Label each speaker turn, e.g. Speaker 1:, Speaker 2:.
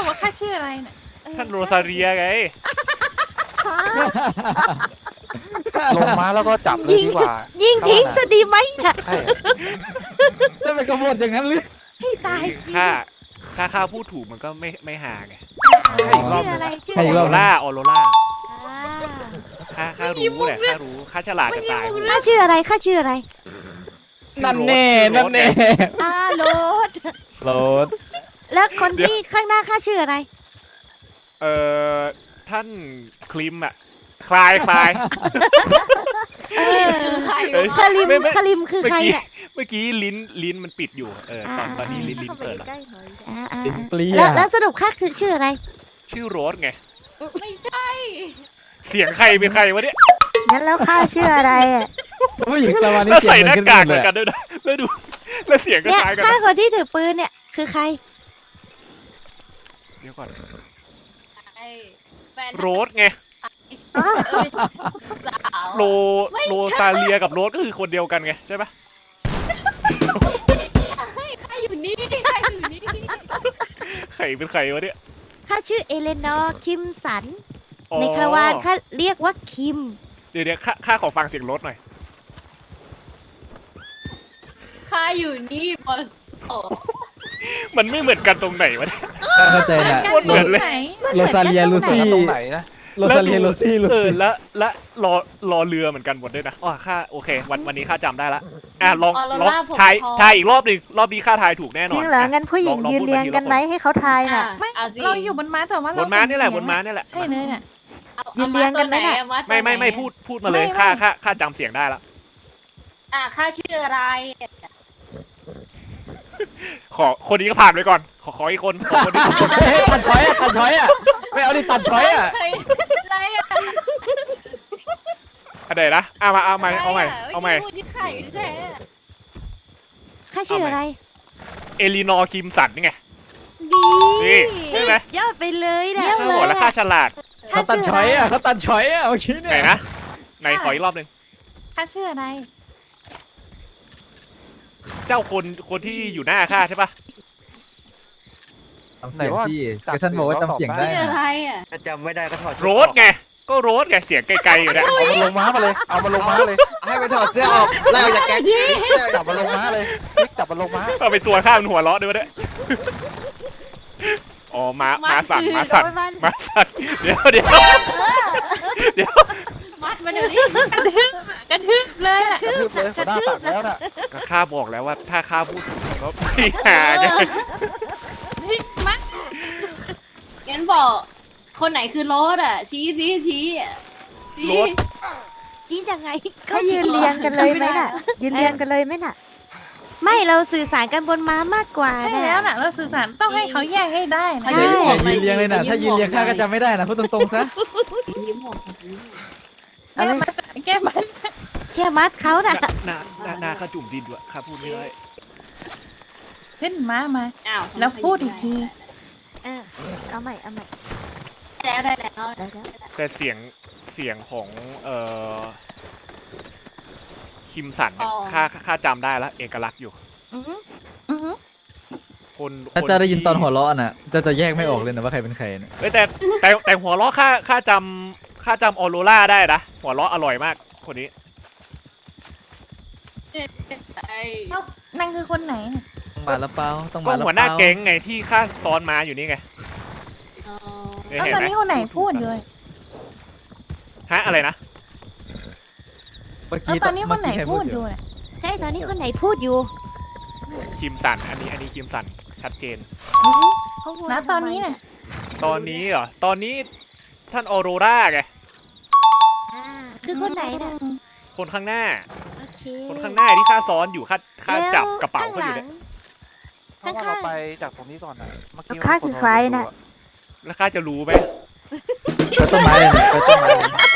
Speaker 1: รุปว่าข้าชื่ออะไรเนี่ย
Speaker 2: ท่านโรซาเรียไง
Speaker 3: ลงมาแล้วก็จับเลยดีกว่า
Speaker 4: ยิงทิ้งซะดีไหมน่ะ
Speaker 3: ใช่
Speaker 5: จะไปกบฏอย่างนั้นหรือ
Speaker 4: ให้ตาย
Speaker 2: ข้าพูดถูกมันก็ไม่หาไง
Speaker 3: ให้อีกรอบ
Speaker 4: ชื่อ
Speaker 3: หนึ
Speaker 4: อะ
Speaker 3: ง
Speaker 4: ไร
Speaker 3: นะ
Speaker 4: ชื่อ
Speaker 5: ให้
Speaker 4: อะ
Speaker 5: อีก
Speaker 4: ไร
Speaker 5: รอบ
Speaker 2: ออโรล่า
Speaker 4: อ่า
Speaker 2: ข้ารู้แหละข้ารู้ข้าฉลาดจะตาย
Speaker 4: ข้าชื่ออะไรข้าชื่ออะไร
Speaker 5: นั่นแน่นั่นแน่
Speaker 4: โรส
Speaker 5: โหลด
Speaker 4: แล้วคนที่ข้างหน้าข้าชื่ออะไร
Speaker 2: ท่านคลิมอะคลาย
Speaker 6: คือใคร
Speaker 2: เอ้ย
Speaker 6: วะ
Speaker 4: คาริม
Speaker 2: ไม่
Speaker 4: คาริมคือ
Speaker 2: เมื่อ
Speaker 4: ใคร
Speaker 2: กี้
Speaker 4: เนี่ย
Speaker 2: เมื่อกี้ลิ้นมันปิดอยู่ตอนนี้ลิ้นเปิดแล้ว
Speaker 4: อ่า
Speaker 5: ลิ้นเปรี้ย
Speaker 4: แล้วสรุปข้าคือชื่ออะไร
Speaker 2: ชื่อโรสไง
Speaker 6: ไม่ใช่
Speaker 2: เสียงใครเป็นใครวะเนี่ย
Speaker 4: งั้นแล้วข้าชื่ออะไรอ่ะ
Speaker 5: ผู้หญิงประมาณนี้
Speaker 2: แล้ว
Speaker 5: เสีย
Speaker 2: ใส่
Speaker 5: ง
Speaker 2: ห
Speaker 5: เหมื
Speaker 2: น้า
Speaker 5: อนกัน
Speaker 2: กาก
Speaker 5: เล
Speaker 2: เหมื
Speaker 5: ย
Speaker 2: อนกันด้วยนะแล้วดูแล้วเสียงก็
Speaker 4: เนี่ย
Speaker 2: คล้ายกัน
Speaker 4: ข้าคนที่ถือปืนเนี่ยคือใคร
Speaker 2: เดี๋ยวก่อน
Speaker 6: ไอ้แฟน
Speaker 2: โรสไง
Speaker 4: อ๋อ
Speaker 6: สาว
Speaker 2: โรซาเลียกับโรสก็คือคนเดียวกันไงใช่ปะ
Speaker 6: ใครอยู่นี่ใครอยู่นี่
Speaker 2: ใครเป็นใครวะเนี่ย
Speaker 4: ข้าชื่อเอเลนอร์คิมสัน
Speaker 2: อ๋อ
Speaker 4: ในคาราวานข้าเรียกว่าคิม
Speaker 2: เดี๋ยวข้าขอฟังเสียงโรสหน่อย
Speaker 6: ใครอยู่นี่บอสโอ้
Speaker 2: มันไม่เหมือนกันตรงไหนวะเนี่ย
Speaker 5: เข้าใจนะ
Speaker 2: โคตรเหมือนเลย
Speaker 1: ไหน
Speaker 5: โรซาเลียลูซี่
Speaker 3: ตรงไหนนะ
Speaker 5: โรซาเลียลูซี่ลูซี่
Speaker 2: และรอเรือเหมือนกันหมดด้วยนะอ๋อข้าโอเค วันนี้ข้าจำได้ละลองทายอีกรอบหนึ่งรอบนี้ข้าทายถูกแน่น
Speaker 4: จ
Speaker 2: อ
Speaker 4: ริ
Speaker 2: น
Speaker 4: งเหรองั้นผู้หญิง
Speaker 2: ลอง
Speaker 4: ยืน
Speaker 2: พูด
Speaker 4: เรียง
Speaker 2: มาทีละ
Speaker 4: กันไหม
Speaker 2: คน
Speaker 4: ให้เขาทายน่ะ
Speaker 1: ไม่
Speaker 6: เอาสิ
Speaker 1: เราอยู่บนม้าแต่ว่า
Speaker 2: บ
Speaker 1: เรา
Speaker 2: นม้านี่แหละ
Speaker 1: ส่
Speaker 2: บ
Speaker 1: ง
Speaker 2: น
Speaker 1: เสียง
Speaker 2: ม้านี่แหละ
Speaker 1: ใช่เลยเนี่ย
Speaker 4: ยืนเรียงกันไหมน่ะ
Speaker 2: ไม่พูดมาเลย
Speaker 1: ไม่
Speaker 2: ข้าจำเสียงได้ละ
Speaker 6: ค่าชื่ออะไร
Speaker 2: ขอคนนี้ก็ผ่านไปก่อนขออีกคนขอคนนี้
Speaker 5: เฮ้ยตัดช้อยอ่ะตัดช้อยอ่ะไม่เอาดิตัดช้อยอ่ะ
Speaker 6: อะไรอะ
Speaker 2: อะไรนะเอาใหม่
Speaker 6: พูดที่ไข่แท้
Speaker 4: ข้าชื่ออะไร
Speaker 2: เอลีนอร์คิมสันนี่ไง
Speaker 4: ดี
Speaker 2: นี่ใช่ไหม
Speaker 4: ยอดไปเลยนะ
Speaker 2: ข้าหัวและข้าฉลาด
Speaker 5: เขาตัดช้อยอ่ะเขาตัดช้อยอ่ะเมื่อกี้
Speaker 2: ไหน
Speaker 5: เนี่ย
Speaker 2: นะไหนขออีกรอบหนึ่ง
Speaker 1: ข้าชื่ออะไร
Speaker 2: เจ้าคนที่อยู่หน้าข้าใช่ปะ
Speaker 5: ทำเสียงที่คือท่านบอกว่าจำเสียงได้
Speaker 6: ชื่อ
Speaker 5: นะ
Speaker 6: อะไรอ่ะ
Speaker 7: ถ้าจำไม่ได้ก็ถอดชุด
Speaker 2: โรสไงก็โรสไงเสียงไกลๆอยู่เนี่ย
Speaker 3: เอามันลงม้ามาเลย เอามันลงม้าเลย
Speaker 7: ให้ไปถอดเสื้อออกไล่ออกจากแก๊ง
Speaker 3: จับมันลงม้าเลยพลิกจับมันลงม้า
Speaker 2: เอาไปตัวข้ามหัวเราะด้วยวะเนี่ยอ๋อมาสั่นเดี๋ยว
Speaker 6: มัดมาเดี๋ยวนี้
Speaker 1: กระทึกเลยอะ
Speaker 3: กระทืบเลยหัวหน้าตักแล้วน่ะ
Speaker 2: ก็ข้าบอกแล้วว่าถ้าข้าพูดถูกก็ไม่หาไง
Speaker 1: นี่มั้ง
Speaker 6: งั้นบอกคนไหนคือโรสอ่ะ ชี้อ่ะชี้
Speaker 2: โรส
Speaker 4: นี่ยังไงก็ยืนเรียงกันเลยไหมน่ะ ยืนเรียงกันเลยไหมน่ะ ไม่เราสื่อสารกันบนม้ามากกว่า
Speaker 1: ใช่แล้วน่ะเราสื่อสารต้องให้เขาแยกให้ได้นะ
Speaker 4: ใช่
Speaker 5: อย่ายืนเรียงเลยนะถ้ายืนเรียงข้าก็จำไม่ได้นะพูดตรงๆซะ
Speaker 6: ยิ้มหมด
Speaker 1: แก้มัน
Speaker 4: แค่มัดเขาน่ะ
Speaker 2: หน้าข้าจุ่มดินด้วยข้าพูดไม่ได้
Speaker 1: ขึ้นม้ามา
Speaker 6: อ้าว
Speaker 1: แล้วพูดอีกที
Speaker 4: เอาใหม่
Speaker 6: แล้วได้แล้ว
Speaker 4: ได้แล้ว
Speaker 2: แต่เสียงของคิมสันเนี่ยข้าจำได้แล้วเอกลักษณ์อยู่
Speaker 4: อือหือ
Speaker 1: อือหือ
Speaker 5: ถ้าจะได้ยินตอนหัวเราะน่ะจะแยกไม่ออกเลยนะว่าใครเป็นใครเนี่ย
Speaker 2: เอ้ยแต่หัวเราะข้าจำออโรล่าได้นะหัวเราะอร่อยมากคนนี้
Speaker 1: นั่นคือคนไหนเนี่ย
Speaker 5: ต้องมาละเปล่าต้อง
Speaker 2: ก็
Speaker 5: มาละ
Speaker 2: หัวห
Speaker 5: เป
Speaker 2: น้า
Speaker 5: ล่า
Speaker 2: แก๊งไงที่ข้าซ้อนมาอยู่นี่ไง
Speaker 1: แล้วตอนนี้คนไหนพูดอยู่เลย
Speaker 2: ฮะอะไรนะ
Speaker 5: เมื่อ
Speaker 1: แล้ว
Speaker 5: กี้
Speaker 1: ตอนนี้คนไหน
Speaker 5: ใร
Speaker 1: พูดอยู่เนี่ย
Speaker 4: ใช่ตอนนี้คนไหนพูดอยู่
Speaker 2: คิมสันอันนี้คิมสันชัดเจน
Speaker 4: เขาพูด
Speaker 1: นะตอนนี้เนี่ย
Speaker 2: ตอนนี้เหรอตอนนี้ท่านออโรราไง
Speaker 4: อ่าคือคนไหนน่ะ
Speaker 2: คนข้างหน้า
Speaker 4: โอเค
Speaker 2: คนข้างหน้าที่ข้าซ้อนอยู่ข้าจับกระเป๋าเขาอยู่เนี่ย
Speaker 3: เพราะว่าเราไปจากตรงนี้ก่อนนะเมื่อกี้
Speaker 4: ข้าคือใครน่ะ
Speaker 2: แล้วข้าจะรู้ไหม
Speaker 5: ไปต้นไม้เลยเนี่ยไปต้นไม้เลย